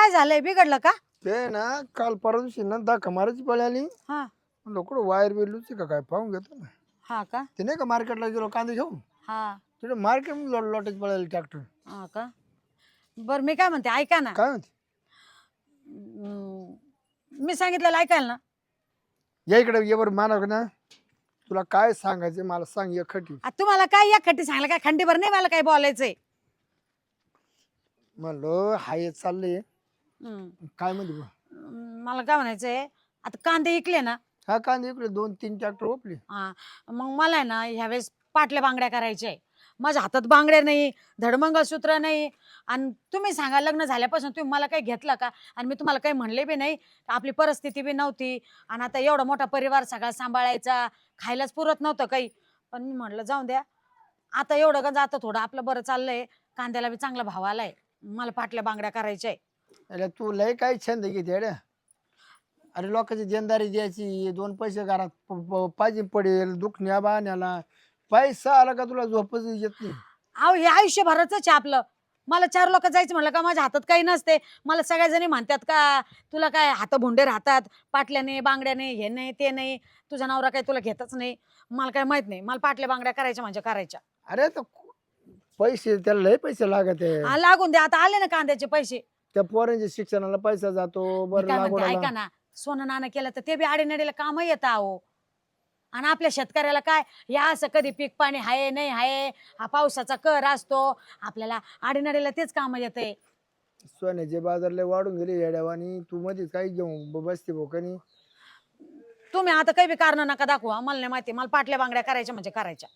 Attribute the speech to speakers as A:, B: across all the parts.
A: काय झालंय बिघडलं का?
B: ते ना काल परवा दिवशी ना दाखा मारायची पळी आली.
A: हा
B: लोक वायर बिरलूची का काय पाहून घेतो ना.
A: हा का
B: ते नाही का मार्केटला गेलो कांदे घेऊन
A: हा
B: तिथे मार्केट लोटायची पळाली ट्रॅक्टर.
A: हा का बर मी काय म्हणते ऐका ना.
B: काय म्हणते
A: मी सांगितलेलं ऐकाल ना.
B: या इकडे ये बरं मानव ना तुला काय सांगायचं मला सांग एकटी.
A: तुम्हाला काय या खड्डी सांगलं काय खंडीभर नाही मला काय बोलायचंय.
B: म्हणलो हाय चाललंय काय म्हणते बुवा?
A: मला काय म्हणायचंय आता कांदे इकले ना.
B: हा कांदे इकडे 2-3 ट्रॅक्टर ओपले.
A: हा मग मला आहे ना ह्यावेळेस पाटल्या बांगड्या करायच्या आहे. माझ्या हातात बांगड्या नाही धडमंगळसूत्र नाही आणि तुम्ही सांगा लग्न झाल्यापासून तुम्ही मला काही घेतलं का आणि मी तुम्हाला काही म्हणले बी नाही. आपली परिस्थिती बी नव्हती आणि आता एवढा मोठा परिवार सगळा सांभाळायचा खायलाच पुरत नव्हतं काही. पण मी म्हटलं जाऊ द्या आता एवढं का जातं थोडं आपलं बरं चाललंय. कांद्याला बी चांगला भाव आलाय मला पाटल्या बांगड्या करायच्या आहे.
B: अरे तू लय काय छंद घेते अरे. अरे लोकांची देणदारी द्यायची 2 पैसे घरात पाहिजे पडेल दुखण्या बाण्याला पैसा आला का तुला झोपच येत नाही.
A: अहो हे आयुष्यभराच आहे आपलं. मला 4 लोक जायचं म्हणलं का माझ्या हातात काही नसते. मला सगळ्या जणी म्हणतात का तुला काय हात भुंडे राहतात पाटल्याने बांगड्याने हे नाही ते नाही तुझा नवरा काही तुला घेतच नाही. मला काय माहित नाही मला पाटल्या बांगड्या करायच्या म्हणजे करायच्या.
B: अरे तर पैसे त्याला लय पैसे लागत आहे.
A: लागून दे आता आले ना कांद्याचे पैसे.
B: त्या पोरांच्या शिक्षणाला पैसा जातो
A: मी
B: बरं
A: काय म्हणते
B: लागवडाला.
A: ऐका ना सोनं नाणं केलं तर ते बी आडेनडीला काम येतं अहो. आणि आपल्या शेतकऱ्याला काय या असं कधी पीक पाणी हाय नाही हाय हा पावसाचा कर असतो आपल्याला आडेनडीला तेच काम येतंय.
B: सोन्याचे बाजार लय वाढून गेले येड्यावानी तू मध्येच काही घेऊन बसते भोकानी.
A: तुम्ही आता काही बी कारण नका दाखवा मला नाही माहिती मला पाटल्या बांगड्या करायच्या म्हणजे करायच्या.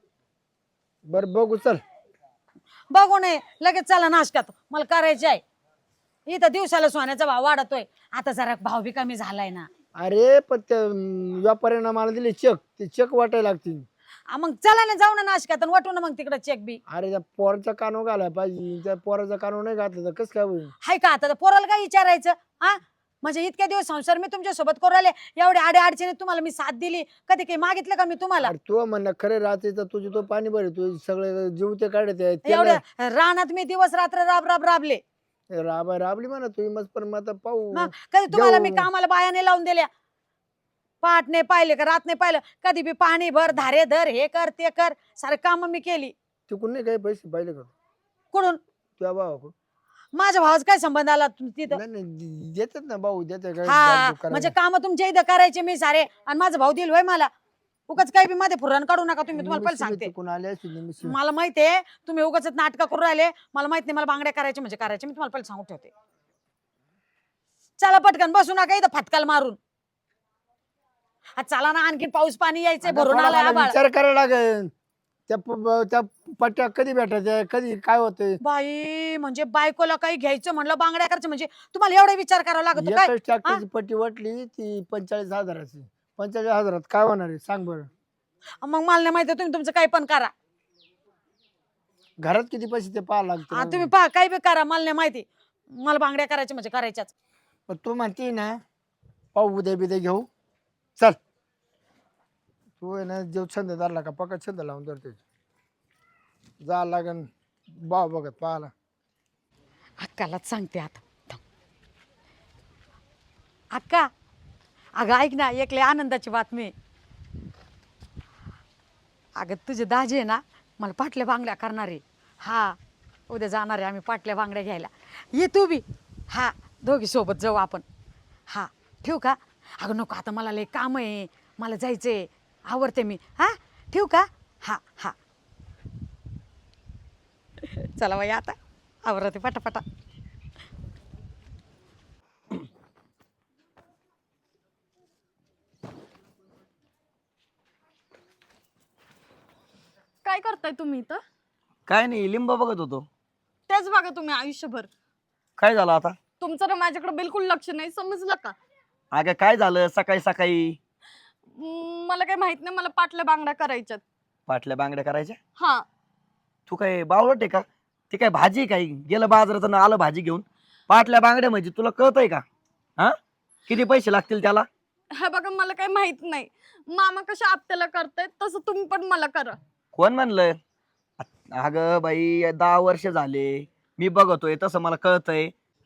B: बरं बघू चल.
A: बघू नये लगेच चला नाशकात मला करायचे आहे. इथं दिवसाला सोन्याचा भाव वाढतोय आता जरा भाव बी कमी झालाय ना.
B: अरे पण त्या व्यापाऱ्यानं मला दिले चेक ते चेक वाटायला लागतील.
A: मग चला ना जाऊ ना नाशकात आणि वाटू ना मग तिकडे चेक बी.
B: अरे त्या पोराचा कानू घालाय पाहिजे त्या पोराचा कानू नाही घातला तर कसं काय होईल.
A: हाय का आता पोराला काय विचारायचं हा म्हणजे इतक्या दिवस संसार मी तुमच्या सोबत करू राहिले एवढ्या आडे अडचणी तुम्हाला मी साथ दिली कधी काही मागितलं का मी तुम्हाला.
B: अरे तू म्हणणं खरे राहते तर तुझी तो पाणी भरे तू सगळे जीव ते काढते
A: एवढ्या रानात मी दिवस रात्र राबले.
B: राबली म्हणा तुम्ही मस्त पण मग आता पाहू.
A: कधी तुम्हाला मी कामाला बायाने लावून दिल्या पाठ नाही पाहिले का रात नाही पाहिलं कधी बी पाणी भर धारे धर हे कर ते कर सारे काम मी केली.
B: तिकडून नाही काही पैसे पाहिले का
A: कुठून
B: तुझ्या भावाकडून.
A: माझ्या भावाचा काय संबंध आला तिथं.
B: नाही देतात ना भाऊ देते काय
A: हा
B: जागरूक करायला.
A: म्हणजे काम तुमच्या इथं करायचे मी सारे आणि माझा भाऊ दिल होय मला. उगाच काही बी मध्ये फुरण काढू नका तुम्ही तुम्हाला पहिले सांगते.
B: चुकून आले असतील ना मिसळी.
A: मला माहितीये तुम्ही उगाच नाटक करू राहिले मला माहित नाही मला बांगड्या करायचे म्हणजे करायचे मी तुम्हाला पहिले सांगून ठेवते. चला पटकन बसू नका इथं फटकाल मारून. चला ना आणखी पाऊस पाणी यायचंय
B: आता
A: भरून
B: थोडा
A: आलाय
B: मला
A: आभाळ.
B: विचार करायला लागेल त्या पट्ट्या कधी भेटायच्या कधी काय होतंय.
A: बाई म्हणजे बायकोला काही घ्यायचं म्हणलं बांगड्या करायचं म्हणजे तुम्हाला एवढा विचार करावा लागतो काय.
B: एकच ट्रॅक्टरची पट्टी वाटली ती 45,000ची 45,000 काय होणार आहे सांग बरं.
A: मग मला नाही माहिती तुम्ही तुमचं काही पण करा.
B: घरात किती पैसे ते पाहा लागते.
A: तुम्ही पहा काही बी करा मला नाही माहिती मला बांगड्या करायच्या म्हणजे करायच्याच.
B: पण तू म्हणते ना पाहू उद्या बिद्या घेऊ चल. तू आहे ना जेव छंद धरला का पक्का छंद लावून धरते जा लागन भाव बघत पाहाला.
A: अक्कालाच सांगते आता थांब. अक्का अगं ऐक ना एक लय आनंदाची बातमी. अगं तुझे दाजी आहे ना मला पाटल्या बांगड्या करणार आहे. हा उद्या जाणार आहे आम्ही पाटल्या बांगड्या घ्यायला ये तू बी. हा दोघी सोबत जाऊ आपण. हा ठेवू का. अगं नको आता मला लय काम आहे मला जायचंय आवडते मी. हा ठेवू का. हा हा चला बाई आता आवरते पटापटा.
C: काय करताय तुम्ही इथं.
D: काय नाही लिंब बघत होतो.
C: तेच बघा तुम्ही आयुष्यभर.
D: काय झालं आता.
C: तुमचं ना माझ्याकडे बिलकुल लक्ष नाही समजलं का.
D: अगं काय झालं सकाळी सकाळी.
C: मला काही माहित नाही मला पाटल्या बांगड्या करायच्यात.
D: पाटल्या बांगड्या करायच्या.
C: हा
D: तू काय बावळट आहे का. ते काय भाजी काय गेलं बाजारात आलं भाजी घेऊन. पाटल्या बांगड्या म्हणजे तुला कळतंय का. हा किती पैसे लागतील त्याला.
C: हे बघा मला काही माहित नाही. मामा कशा आपल्याला करतायत तसं तुम्ही पण मला करा.
D: कोण म्हणलं. अगं बाई 10 वर्ष झाले मी बघतोय तसं मला कळतंय.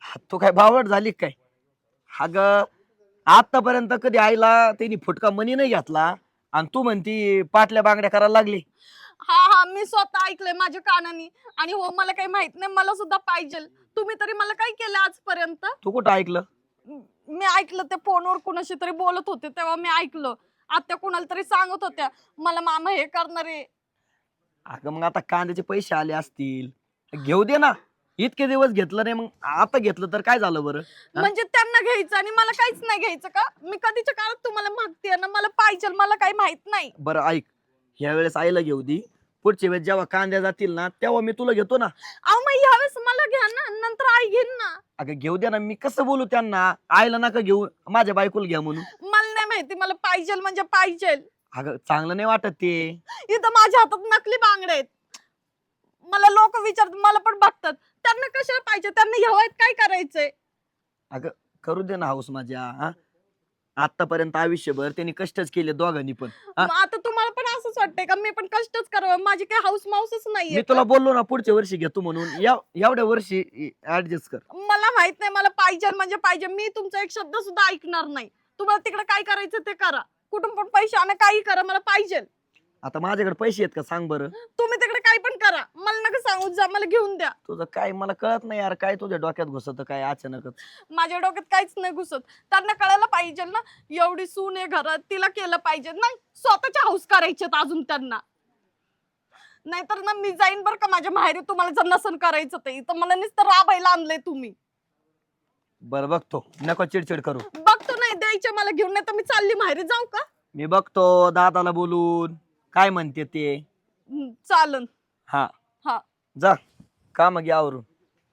D: तू काय बावट झाली काय? अग आतापर्यंत कधी आईला त्यांनी फुटका मनी नाही घेतला आणि तू म्हणती पाटल्या बांगड्या करायला लागली.
C: हा हा, मी स्वतः ऐकलंय माझ्या कानानी. आणि हो, मला काही माहित नाही, मला सुद्धा पाहिजे. तुम्ही तरी मला काय केलं आजपर्यंत?
D: तू कुठं ऐकलं?
C: मी ऐकलं, ते फोनवर कुणाशी तरी बोलत होते तेव्हा मी ऐकलं. आत्या कुणाला तरी सांगत होत्या मला मामा हे करणार आहे.
D: अगं मग आता कांद्याचे पैसे आले असतील, घेऊ दे ना. इतके दिवस घेतलं नाही, मग आता घेतलं तर काय झालं बरं? हा?
C: म्हणजे त्यांना घ्यायचं आणि मला काहीच नाही घ्यायचं का? मी कधीच्या काळात तुम्हाला मागते ना, मला पाहिजे, मला काही माहित नाही.
D: बरं ऐक, ह्या वेळेस आईला घेऊ दे. पुढच्या वेळेस जेव्हा कांद्या जातील ना तेव्हा मी तुला घेतो ना.
C: अहो मग ह्यावेळेस मला घ्या ना, नंतर आई घेईन ना.
D: अगं घेऊ दे ना. मी कसं बोलू त्यांना? आईला नका घेऊ, माझ्या बायकोला घ्या म्हणून.
C: मला नाही माहिती, मला पाहिजे म्हणजे पाहिजे.
D: अगं चांगलं नाही वाटत ते.
C: इथं माझ्या हातात नकली बांगडे आहेत. मला लोक विचारतात, मला पण बघतात, त्यांना कशाला पाहिजे, त्यांना ह्यावायत काय करायचंय?
D: अगं करू दे ना हाऊस माझ्या. हा, आतापर्यंत आयुष्यभर त्यांनी कष्टच केले दोघांनी पण. हा?
C: मग आता तुम्हाला पण असंच वाटतंय का मी पण कष्टच करावं? माझी काही हाऊस माऊसच
D: मी
C: नाहीये
D: तुला
C: का?
D: बोललो ना पुढच्या वर्षी घेतो म्हणून. एवढ्या वर्षी ऍडजस्ट कर.
C: मला माहित नाही, मला पाहिजे म्हणजे पाहिजे. मी तुमचा एक शब्द सुद्धा ऐकणार नाही. तुम्हाला तिकडे काय करायचं ते करा, कुठून पण पैसे आणा, काही करा, मला पाहिजे.
D: आता माझ्याकडे पैसे आहेत का सांग बरं?
C: तुम्ही तिकडे काही पण करा, मला नका सांगू जा, मला घेऊन द्या.
D: तुझं काय मला कळत नाही यार, काय तुझ्या डोक्यात घुसत काय अचानकच?
C: माझ्या डोक्यात काहीच नाही घुसत. त्यांना कळायला पाहिजे ना, एवढी सून आहे घरात, तिला केलं पाहिजे ना. स्वतःच्या हाऊस करायच्यात अजून त्यांना. नाहीतर ना मी जाईन बरं का माझ्या माहेरी, तुम्हाला जर नसन करायचं ते. इथं मला नुसतं राबायला आणलंय तुम्ही.
D: बरं बघतो, नको चिडचिड करू.
C: बघतो, नाही द्यायचे मला घेऊन, नाही तर मी चालली माहेरी. जाऊ का?
D: मी बघतो दादाला बोलून काय म्हणते ते.
C: चालन.
D: हा
C: हा.
D: जा काम घ्या आवरून.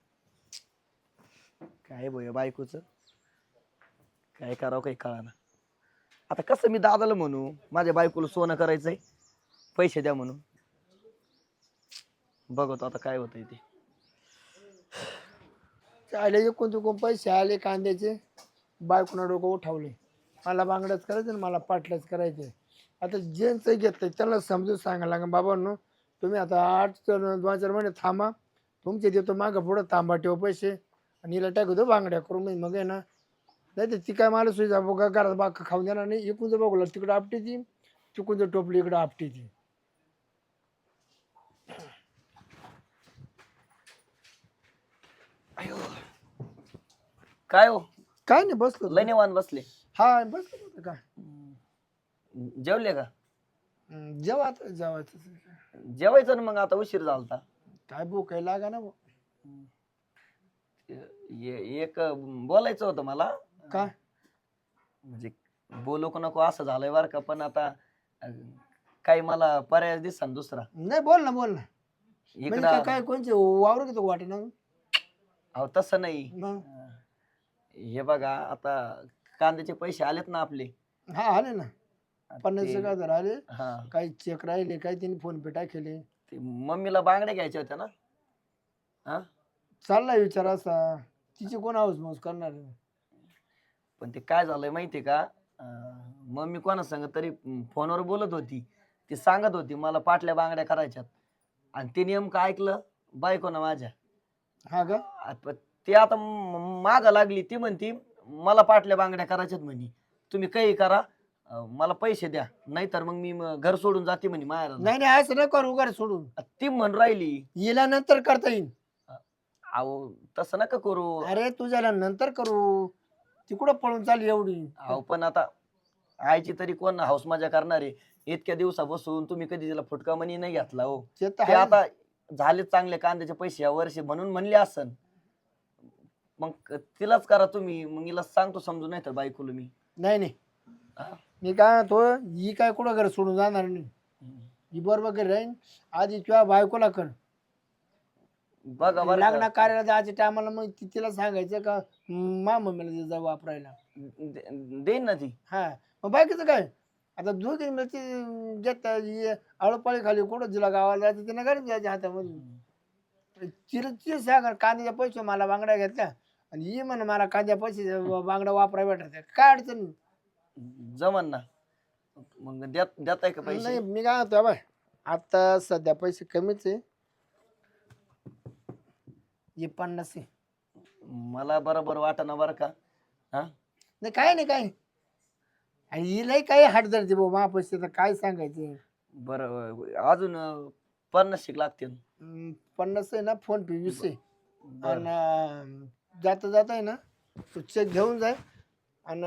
D: काय बोय बायकोच काय करावं काही कळाना. आता कसं मी दादाला म्हणू माझ्या बायकोला सोनं करायचंय, पैसे द्या म्हणून. बघतो आता काय होतंय ते.
B: आले एकूण तिकून पैसे आले कांद्याचे, बायकोना डोकं उठावले. मला बांगड्याच करायचं आणि मला पाटल्याच करायचे. आता ज्यांचं घेतलंय त्यांना समजून सांगायला लागेल, बाबांनो तुम्ही आता 2-4 महिने थांबा, तुमचे देतो मागं पुढं तांबा ठेव पैसे आणि हिला टाकू दो बांगड्या करून. मी मग आहे ना, नाही तर ती काय मला सुविधा बघा घरात बाग खाऊन देणार नाही. इकून जर बघू तिकडं आपटी ती, तिकून जर टोपली इकडं आपटी ती.
D: काय हो
B: काय नाही बसलो.
D: लय निवांत बसले.
B: हा बसलो होतं का.
D: जेवले का?
B: जेव्हा आता जेवायचं
D: जेवायचं ना, मग आता उशीर झालता.
B: काय भूक आहे लागा ना.
D: एक बोलायचं होतं मला.
B: काय
D: म्हणजे बोलू का नको असं झालंय बरं का, पण आता काही मला पर्याय दिसता ना दुसरा.
B: नाही, बोल ना बोल ना. म्हणजे
D: इकडं
B: काय कोणचे वावर घेतो वाटे ना.
D: अहो तसं नाही.
B: मग
D: हे बघा आता कांद्याचे पैसे आलेत ना आपले.
B: हा आले ना, 50,000 आले.
D: हा,
B: काही चेक राहिले, काही त्यांनी फोन पे टाकले.
D: ते मम्मीला बांगड्या घ्यायच्या होत्या ना. हा,
B: चाललाय विचार असा, तिची कोण हाऊस माऊस करणार आहे?
D: पण ते काय झालंय माहितीये का, मम्मी कोणा सांग तरी फोनवर बोलत होती. ती सांगत होती मला पाटल्या बांगड्या करायच्यात, आणि ते नेमकं ऐकलं बायको ना माझ्या.
B: हा का?
D: ते आता माग लागली. ती म्हणती मला पाटल्या बांगड्या करायच्यात म्हणे, तुम्ही काही करा, मला पैसे द्या, नाहीतर मग मी घर सोडून जाते म्हणे माहेर.
B: नाही नाही, असं नाही करू घर सोडून.
D: ती म्हण राहिली
B: हिला नंतर करता येईल.
D: अहो तसं नका करू.
B: अरे तुझ्याला नंतर करू, ती कुठं पळून चालली एवढी.
D: अहो पण आता आईची तरी कोण हाऊस मजा करणार आहे? इतक्या दिवसापासून तुम्ही कधी तिला फुटका मनी नाही घेतला हो.
B: ते तर
D: ते
B: आहे.
D: आता झाले चांगले कांद्याचे पैसे या वर्षी म्हणून म्हणले असन. मग तिलाच करा तुम्ही. मग हिला सांगतो समजून, नाही तर बायकोला मी.
B: नाही नाही,
D: हा.
B: मी काय म्हणतो, ही काय कुठं घर सोडून जाणार नाही. ही बरोबर घरी राहीन. आधी तुझ्या बायकोला कर.
D: बघा बरं
B: लग्न
D: का.
B: कार्याला जायच्या टायमाला मग तिला सांगायचं का मा मम्मीला जा वापरायला.
D: देईन ना ती.
B: हा, मग बाकीचं काय आता दोघी मिळते घेत आळोपाळी खाली कुठं तिला गावाला जायचं तिने घरी जायच्या हातामध्ये. तिला ती सांगा कांद्याच्या पैसे मला बांगड्या घेतल्या आणि ही म्हण मला कांद्या पैसे बांगड्या वापराय भेटायच्या. काय अडचण नाही.
D: जमन ना. मग देताय का पैसे?
B: नाही, मी काय म्हणतो बाय, आता सध्या पैसे कमीच आहे. हे 50 आहे.
D: मला बरोबर वाटना बरं का. हा
B: नाही काय नाही काय. आणि हिलाही काही हाट धरते भाऊ महापैसे तर काय सांगायचे.
D: बरं अजून 50 लागतील.
B: 50 आहे ना फोन पे 20 आहे.
D: बरं
B: आणि जाता जाता आहे ना तो चेक घेऊन जाय. आणि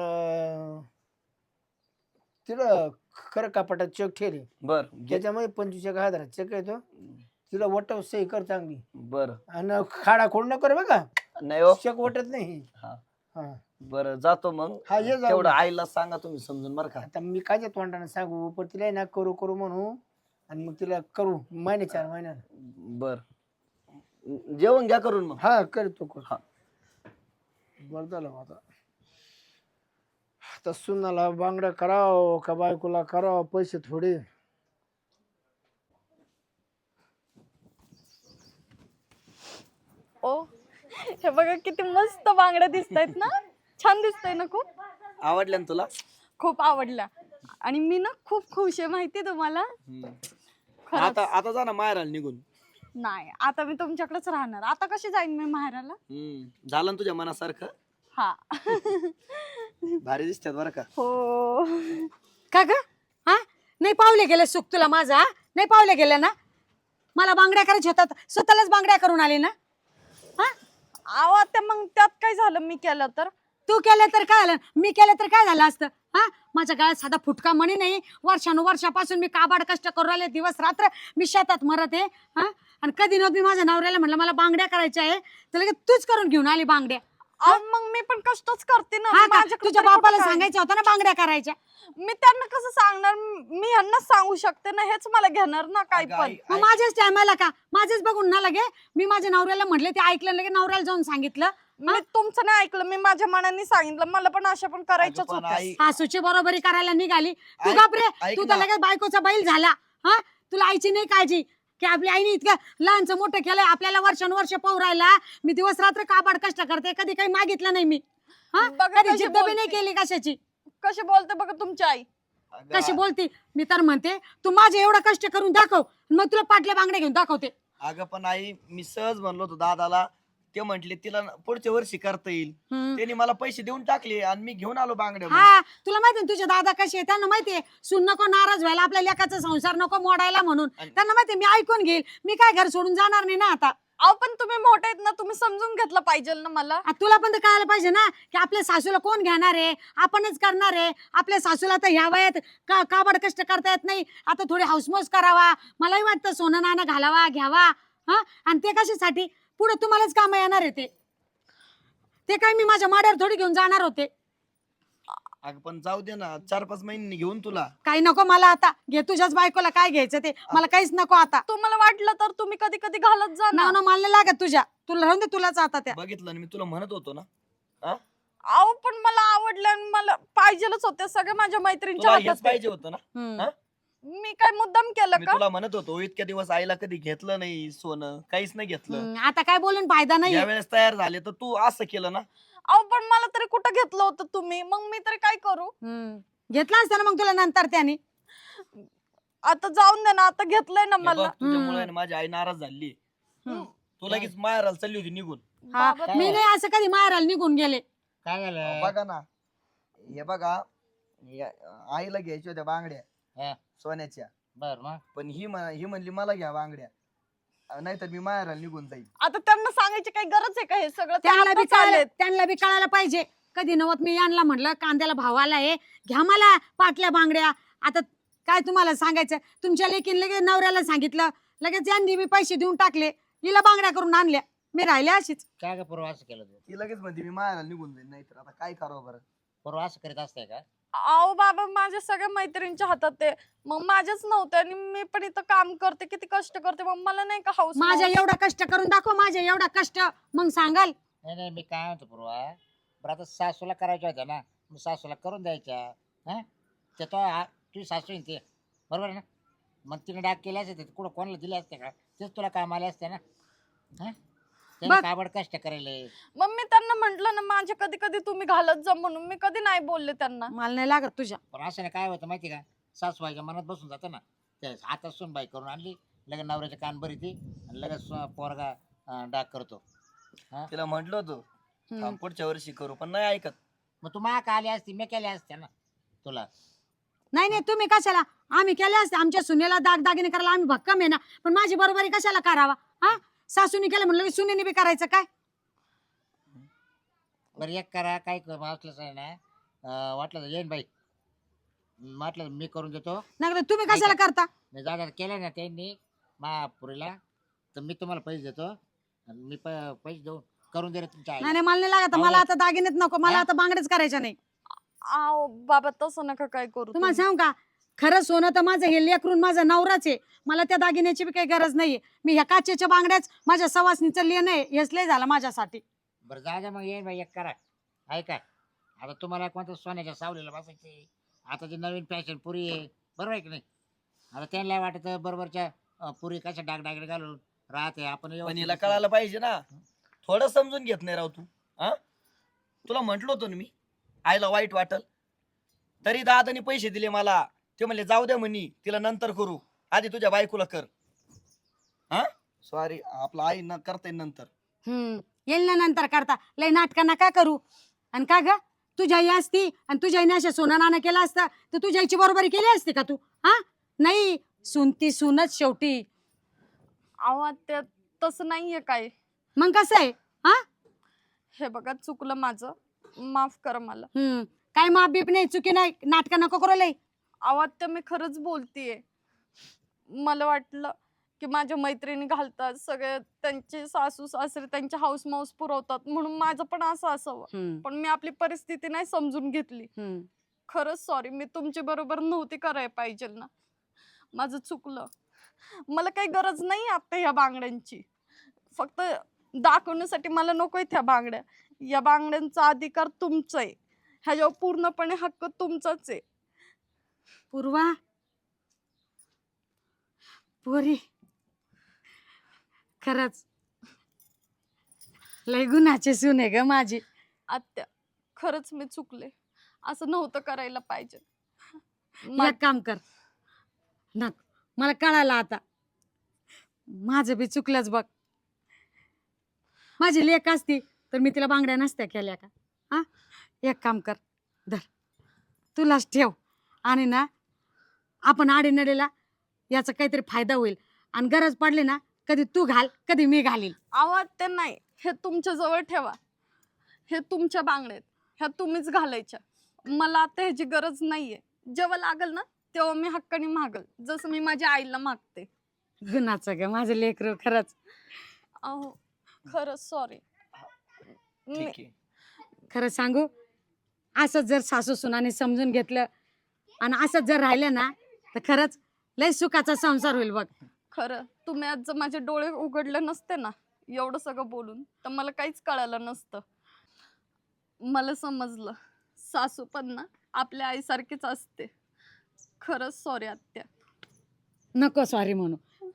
B: तिला खरं कपाटात चेक ठेरे
D: बरं
B: त्याच्यामध्ये 25,000 चेक येतो. तिला वटव सही कर चांगली.
D: बरं
B: आणि खाडा खोड न कर बघा.
D: नाही हो.
B: चेक वटत नाही.
D: हा
B: हा
D: बरं जातो मग.
B: हा ये जाऊ.
D: तेवढं आईला सांगा तुम्ही समजून बरं का.
B: आता मी कायच्या तोंडाने सांगू पण तिला आहे ना करू करू म्हणू. आणि मग तिला करू 4 महिन्यात.
D: बरं जेवण घ्या करून मग.
B: हा करतो कर.
D: हा.
B: बरं झालं मग आता. आता सुनाला बांगड्या करावं का बायकोला करावं पैसे थोडे.
C: ओ हे बघा किती मस्त बांगड्या दिसतायत ना. छान दिसतंय ना खूप.
D: आवडल्या ना तुला.
C: खूप आवडल्या आणि मी ना खूप खुश आहे माहितीये तुम्हाला. खरंच.
D: आता आता जा ना माहेराला निघून.
C: नाही आता मी तुमच्याकडेच राहणार. आता कशी जाईन मी माहेराला.
D: झालं ना तुझ्या मनासारखं.
C: हा
D: भारी दिसतात बरं का.
C: हो.
A: का ग हा नाही पावले गेले सुख तुला माझा हा? नाही पावले गेले ना. मला बांगड्या करायच्या होतात स्वतःलाच बांगड्या करून आले ना. हा
C: आहो आता मग त्यात काय झालं मी केलं तर.
A: तू केलं तर काय झालं मी केलं तर काय झालं असतं. हा माझ्या गळ्यात साधा फुटका मणी नाही. वर्षानुवर्षापासून मी काबाड कष्ट करू राहिले दिवस रात्र. मी शेतात मरत आहे. हा आणि कधी न मी माझ्या नवऱ्याला म्हटलं मला बांगड्या करायच्या आहे तर लगेच तूच करून घेऊन आली बांगड्या.
C: अहो, मग मी पण कष्टच करते ना.
A: हा का
C: माझ्याकडे
A: तुझ्या
C: तरी कुठं
A: बापाला
C: काय?
A: सांगायचं होतं ना बांगड्या करायच्या.
C: मी त्यांना कसं सांगणार. मी ह्यांनाच सांगू शकते ना. हेच मला घेणार ना काय
D: अगं,
C: पण.
D: आई-
A: मग माझ्याच टायमाला का माझेच बघून ना लगे मी माझ्या नवऱ्याला म्हटले ते ऐकलं लगे नवऱ्याला जाऊन सांगितलं.
C: मी तुमचं नाही ऐकलं. मी माझ्या मनाने सांगितलं. मला पण अशा पण करायच्याच
D: अगं, पण
C: होत्या.
D: आई-
A: सासूची बरोबरी करायला निघाली तू
D: ऐक-
A: घाबरे.
D: ऐक
A: तू तर
D: ना.
A: लगेच बायकोचा बैल झाला. हा तुला आईची नाही काळजी की आपल्या आईने इतकं लहानचं मोठं केलंय आपल्याला वर्षानुवर्ष राहिला. मी दिवस रात्र काबाड कष्ट करते कधी काही मागितलं नाही मी. हा
C: बघा
A: कधी
C: कशी
A: जिद्द बी नाही
C: बोलते.
A: केली कशाची.
C: कशी बोलते बघा तुमची आई.
D: अगं,
A: कशी बोलती मी तर म्हणते तू माझे एवढं कष्ट करून दाखव मग तुला पाटल्या बांगड्या घेऊन दाखवते.
D: अगं पण आई मी सहज म्हणलो होतो दादाला. ते म्हंटले तिला पुढच्या वर्षी करता येईल.
A: हम्म.
D: त्यांनी मला पैसे देऊन टाकले आणि मी घेऊन आलो बांगड्या मग.
A: हा तुला माहिती तुझे दादा कसे आहे त्यांना माहितीये सून नको नाराज व्हायला आपल्या लेकाचा संसार नको मोडायला म्हणून.
D: आणि-
A: त्यांना माहितीये मी ऐकून घेईल मी काय घर सोडून जाणार नाही ना आता.
C: अहो पण तुम्ही मोठे आहेत ना. तुम्ही समजून घेतलं पाहिजे ना मला.
A: तुला पण तर कळायला पाहिजे ना की आपल्या सासूला कोण घेणार आहे आपणच करणार आहे. आपल्या सासूला तर ह्या वयात काबाड कष्ट करता येत नाही. आता थोडी हाऊसमौस करावा. मलाही वाटतं सोनं नाणं घालावा घ्यावा. हा आणि ते कशासाठी पुढे तुम्हालाच काम येणार आहे ते काय मी माझ्या माड्यावर थोडी घेऊन जाणार होते.
D: अगं पण जाऊ दे ना 4-5 महिन्यांनी घेऊन तुला.
A: काही नको मला आता घे तुझ्याच बायकोला काय घ्यायचं ते मला काहीच नको आता.
C: तुम्हाला वाटलं तर तुम्ही कधी कधी घालत जा ना.
A: ना मला नाही लागत तुझ्या तुला राहून दे तुलाच आता त्या.
D: बघितलं ना मी तुला म्हणत होतो ना.
C: अहो पण मला आवडलं आणि मला पाहिजेलच होते सगळे माझ्या मैत्रिणीच्या
D: तुला
C: हातात
D: हेच
C: आहे.
D: पाहिजे होतं ना.
A: हम्म.
D: हा?
C: मी काय मुद्दाम केलं
D: मी
C: का.
D: तुला म्हणत होतो इतक्या दिवस आईला कधी घेतलं नाही सोनं काहीच नाही घेतलं.
A: आता काय बोलून फायदा नाही.
D: या वेळेस तयार झाले तर तू असं केलं ना.
C: अहो पण मला तरी कुठं घेतलं होतं तुम्ही. मग मी तरी काय करू.
A: घेतला असता ना मग तुला नंतर त्याने.
C: आता जाऊन दे ना. आता घेतलंय ना
D: हे
C: मला.
D: बघ, तुझ्यामुळे ना माझी आई नाराज झाली. तू लगेच माहेराला चालली होती निघून.
A: हा,
C: बाबा,
A: मी नाही असं कधी मारायला निघून गेले.
B: काय झालं
D: बघा ना हे बघा आईला घ्यायच्या होत्या
B: हा.
D: बांगड्या सोन्याच्या.
B: बर मग
D: पण ही म्हणली मला घ्या बांगड्या नाहीतर मी माहेराला निघून जाईल.
C: आता त्यांना सांगायची काही गरज आहे का हे सगळं. ते
A: त्यांना बी
C: आत्ताच
A: कळालं
C: आलेत.
A: त्यांना बी कळायला पाहिजे. कधी नवत मी यांना म्हटलं कांद्याला भाव आला आहे घ्या मला पाटल्या बांगड्या. आता काय तुम्हाला सांगायचं तुमच्या लेकीन लगेच नवऱ्याला सांगितलं लगेच यांनी मी पैसे देऊन टाकले हिला बांगड्या करून आणल्या. मी राहिले अशीच.
E: काय ग पूर्व असं केलं तू?
D: ती लगेच म्हणते मी माहेराला निघून जाईल नाहीतर आता काय करावं बरं.
E: पूर्व असं करीत असते का?
C: अहो बाबा माझ्या सगळ्या मैत्रिणीच्या हातात ते. मग माझ्याच नव्हते आणि मी पण इथं काम करते किती कष्ट करते. मग मला नाही का हाऊस.
A: माझ्या एवढा कष्ट करून दाखव माझ्या एवढा कष्ट मग सांगाल.
E: नाही नाही मी काय म्हणतो पूर्वा बरं आता सासूला करायच्या होत्या ना मग सासूला करून द्यायच्या. हा ते तो तुझी सासू आहे ते बरोबर आहे ना. मग तिने डाग केले असते कुठं कोणाला दिले असते का? तेच तुला काम आले असते ना. हा त्याने
A: बघ.
E: काबड कष्ट करायला.
C: मग मी त्यांना म्हंटल ना माझे कधी कधी तुम्ही घालत जा म्हणून. मी कधी नाही बोलले त्यांना.
A: मला नाही लागत तुझ्या.
E: पण असं नाही काय होतं माहिती का सासूबाईच्या मनात बसून जातं ना. ते हातात सुनबाई करून आणली लगेच नवऱ्याचे कान भरी ती आणि लगेच पोरगा डाग करतो.
D: तिला म्हंटल होतं थांब, पुढच्या वर्षी करू, पण नाही ऐकत.
E: मग तू मा का आली असती मी केल्या असत्या ना तुला.
A: नाही नाही, तुम्ही कशाला, आम्ही केले असते आमच्या सुनेला दागदागिने करायला आम्ही भक्कम आहे ना, पण माझी बरोबरी कशाला करावा? हा, सासूने केलं म्हणलं की सुनेने बी करायचं काय?
E: बरं एक करा, काय वाटलंच आहे ना, वाटलं तर येईन बाई, म्हटलं मी करून देतो.
A: नाही तुम्ही कशाला करता?
E: मी जागा केलं ना त्यांनी महापुरीला, तर मी तुम्हाला पैसे देतो आणि मी पैसे देऊन करून दे रे तुमच्या
A: नाही
E: आईला.
A: नाही, मला नाही लागत, मला आता दागिनेच नको, मला
E: हा?
A: आता बांगड्याच करायच्या नाही.
C: आहो बाबा तसं नका काय करू
A: तुम्हाला
C: तुम्ही.
A: सांगू का, खरं सोनं तर माझं हे लेकरून माझा नवराच आहे, मला त्या दागिन्याची बी काही गरज नाहीये. मी ह्या काचेच्या बांगड्याच माझ्या सवासनीचं लेणं आहे, हेच लय झालं माझ्यासाठी.
E: बरं जागा मग येईन बाई, एक करा ऐका, आता तुम्हाला कोणत्या सोन्याच्या सावलीला बसायचे, आता जे नवीन फॅशन पुरी आहे बरोबर आहे की नाही, आता त्यांना वाटत बरोबरच्या पुरी कशा डागडागडे घालून राहते आपण
D: पण
E: व्यवस्थित
D: हिला
E: दिसतो.
D: कळायला पाहिजे ना, थोडं समजून घेत नाही राव तू. हा, तुला म्हंटल होतं ना मी, आईला वाईट वाटल, तरी दादानी पैसे दिले मला. ते म्हणले जाऊ द्या म्हणी, तिला नंतर करू, आधी तुझ्या बायकोला कर. हा सॉरी, आपला आई न करता येईल नंतर.
A: येईल ना नंतर करता, लय नाटका नका करू. आणि का ग, तुझ्या आई असती आणि तुझ्या आईने अशा सोना नाना केला असता तर तुझ्या आईची बरोबरी केली असती का तू? हा, नाही, सुनती सुनच शेवटी.
C: अहो आत्या तसं नाहीये काय.
A: मग कसं आहे? हा,
C: हे बघा चुकलं माझं, माफ करा मला.
A: काय माप बीप नाही, चुकी नाही, नाटका नको करू लय.
C: अहो आत्या मी खरंच बोलतीये. मला वाटलं की माझ्या मैत्रिणी घालतात सगळे, त्यांचे सासू सासरे त्यांचे हाऊस माऊस पुरवतात म्हणून माझं पण असं असावं, पण मी आपली परिस्थिती नाही समजून घेतली. खरंच सॉरी, मी तुमच्या बरोबर नव्हती करायला पाहिजे ना, माझं चुकलं. मला काही गरज नाही आता ह्या बांगड्यांची, फक्त दाखवण्यासाठी मला नकोय त्या बांगड्या. या बांगड्यांचा अधिकार तुमचा आहे, ह्याच्यावर पूर्णपणे हक्क तुमचाच आहे.
A: पूर्वा, पोरी, खरंच लय गुन्हाची सून आहे ग माझी.
C: आत्या खरंच मी चुकले, असं नव्हतं करायला पाहिजे.
A: एक काम कर, मला कळालं आता, माझं बी चुकलंच बघ. माझी लेक असती तर मी तिला बांगड्या नसत्या केल्या का? हा, एक काम कर, धर, तुलाच ठेव, आणि ना आपण आडीनडीला याचा काहीतरी फायदा होईल, आणि गरज पडली ना कधी तू घाल कधी मी घालील.
C: आवाज ते नाही, हे तुमच्या जवळ ठेवा, हे तुमच्या बांगड्यात, ह्या तुम्हीच घालायच्या. मला आता ह्याची गरज नाहीये, जेव्हा लागल ना तेव्हा मी हक्काने मागल, जसं मी माझ्या आईला मागते.
A: गुन्हाचं ग माझं लेकरू, खरंच.
C: अहो खरंच सॉरी.
D: ठीक आहे.
A: खरं सांगू, असंच जर सासू सुनाने समजून घेतलं आणि असंच जर राहिलं ना तर खरंच लय सुखाचा संसार होईल बघ.
C: खरं तुम्ही आज जर माझे डोळे उघडले नसते ना एवढं सगळं बोलून, तर मला काहीच कळालं नसतं. मला समजलं सासू पण ना आपल्या आईसारखीच असते. खरंच सॉरी आत्या.
A: नको सॉरी म्हणू.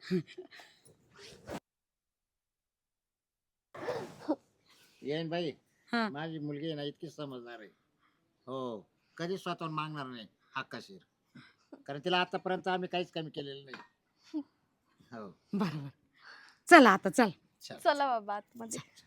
E: येईन बाई,
A: हा.
E: माझी मुलगी आहे ना इतकी समजणार आहे, हो, कधी स्वतःहून मागणार नाही हक्काशीर, कारण तिला आतापर्यंत आम्ही काहीच कमी केलेलं नाही. हो
A: बरोबर, चला आता चल.
E: चल.
C: चला बाबा आतमध्ये.